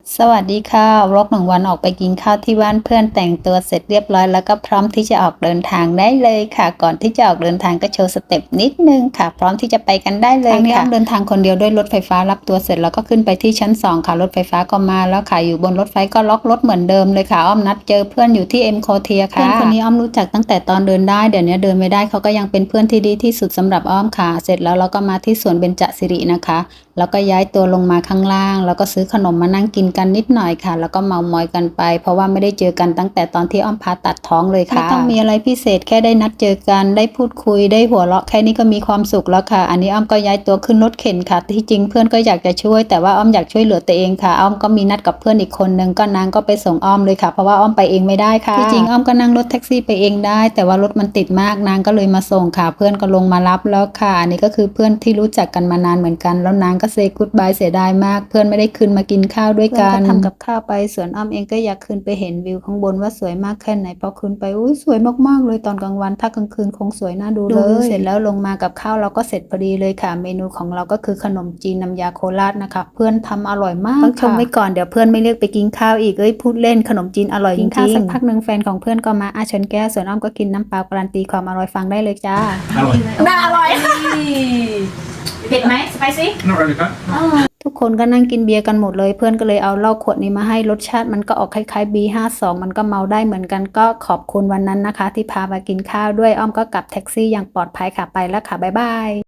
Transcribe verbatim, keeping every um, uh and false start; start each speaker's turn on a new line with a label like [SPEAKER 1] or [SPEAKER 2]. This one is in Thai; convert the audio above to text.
[SPEAKER 1] สวัสดีค่ะวล็อกหนึ่งวันออกไปกินข้าวที่บ้านเพื่อนแต่งตัวเสร็จเรียบร้อยแล้วก็พร้อมที่จะออกเดินทางได้เลยค่ะก่อนที่จะออกเดินทางก็โชว์สเต็ปนิดนึงค่ะพร้อมที่จะไปกันได้เลยค่ะครั้งนี้อ้อมเดินทางคนเดียวด้วยรถไฟฟ้ารับตัวเสร็จแล้วก็ขึ้นไปที่ชั้นสองค่ะรถไฟฟ้าก็มาแล้วค่ะอยู่บนรถไฟก็ล็อกรถเหมือนเดิมเลยค่ะอ้อมนัดเจอเพื่อนอยู่ที่เอ็มโคเทียค่ะเพื่อนคนนี้อ้อมรู้จักตั้งแต่ตอนเดินได้เดี๋ยวนี้เดินไม่ได้เขาก็ยังเป็นเพื่อนที่ดีที่สุดสำหรับอ้อมค่ะเสร็จแล้วเราก็มาที่สวนเบญจสิรินะคะแล้วก็ย้ายตัวลงมาข้างล่างแล้วก็ซื้อขนมมานั่งกินกันนิดหน่อยค่ะแล้วก็เมามอยกันไปเพราะว่าไม่ได้เจอกันตั้งแต่ตอนที่อ้อมผ่าตัดท้องเลยค่ะไม่ต้องมีอะไรพิเศษแค่ได้นัดเจอกันได้พูดคุยได้หัวเราะแค่นี้ก็มีความสุขแล้วค่ะอันนี้อ้อมก็ย้ายตัวขึ้นรถเข็นค่ะที่จริงเพื่อนก็อยากจะช่วยแต่ว่าอ้อมอยากช่วยเหลือตัวเองค่ะอ้อมก็มีนัดกับเพื่อนอีกคนนึงก็นางก็ไปส่งอ้อมเลยค่ะเพราะว่าอ้อมไปเองไม่ได้ค่ะที่จริงอ้อมก็นั่งรถแท็กซี่ไปเองได้แต่ว่ารถมันติดมากนางก็เลยมาส่งค่ะเพื่อนก็ลงมารับแล้วค่ะอันนี้ก็คือเพื่อนที่รู้จักกันมานานเหมือนกันแล้วนางก็เซย์กู๊ดบายเสียดายมากเพื่อนไม่ได้ขึ้นมากินข้าวด้วยกันทำกับข้าวไปส่วนอ้อมเองก็อยากขึ้นไปเห็นวิวข้างบนว่าสวยมากแค่ไหนพอขึ้นไปอุ้ยสวยมากๆเลยตอนกลางวันถ้ากลางคืนคงสวยน่าดูเลยเสร็จแล้วลงมากับข้าวเราก็เสร็จพอดีเลยค่ะเมนูของเราก็คือขนมจีนน้ำยาโคราชนะคะเพื่อนทำอร่อยมากต้องชมไว้ก่อนเดี๋ยวเพื่อนไม่เรียกไปกินข้าวอีกเอ้ยพูดเล่นขนมจีนอร่อยจริงๆกินข้าวสักพักหนึ่งแฟนของเพื่อนก็มาอาชนแก้วส่วนอ้อมก็กินน้ำเปล่าการันตีความอร่อยฟังได้เลยจ้า
[SPEAKER 2] อร่อย
[SPEAKER 3] น่าอร่อยค่ะเผ็ดไหมสไปซี่
[SPEAKER 2] not really bad
[SPEAKER 1] ทุกคนก็นั่งกินเบียร์กันหมดเลยเพื่อนก็เลยเอาเหล้าขวดนี้มาให้รสชาติมันก็ออกคล้ายๆ บี ห้าสิบสอง มันก็เมาได้เหมือนกันก็ขอบคุณวันนั้นนะคะที่พามากินข้าวด้วยอ้อมก็กลับแท็กซี่อย่างปลอดภัยค่ะไปแล้วค่ะบ๊ายบาย